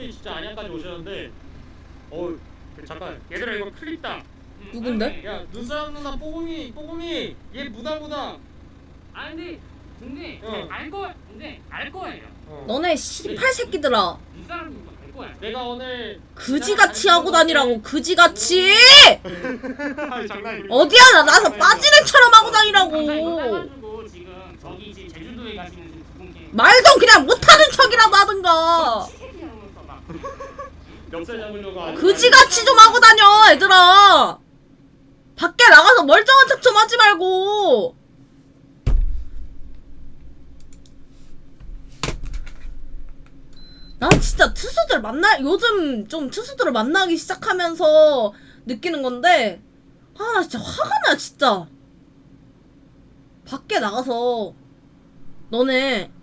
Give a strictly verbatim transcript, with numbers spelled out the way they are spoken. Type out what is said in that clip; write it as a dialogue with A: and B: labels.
A: 커피 진짜 안양까지 오셨는데 어 잠깐 얘들아 이거 클립다.
B: 누군데?
A: 야 눈사람 누나 뽀금이 뽀금이 얘 무다무다.
C: 아 근데 근데
A: 어.
C: 알거 근데 알 거예요.
A: 어.
B: 너네 씨팔 새끼들아.
C: 이 사람이 알 거야.
A: 내가 오늘
B: 그지같이 하고 다니라고. 그지같이.
A: 아니, 장난이야.
B: 어디야 나 나서 빠진 애처럼 하고 다니라고.
C: 가지고 지금 저기 지금 제주도에 가시는 지금 두 분께
B: 말도 그냥 못하는 척이라도 하든가.
C: 시계하면서 막
A: 멱살 잡으려고 아니-
B: 그지같이 좀 하고 다녀 얘들아. 밖에 나가서 멀쩡한 척 좀 하지 말고. 난 진짜 투수들 만나 요즘 좀 투수들을 만나기 시작하면서 느끼는 건데, 아 나 진짜 화가 나 진짜. 밖에 나가서 너네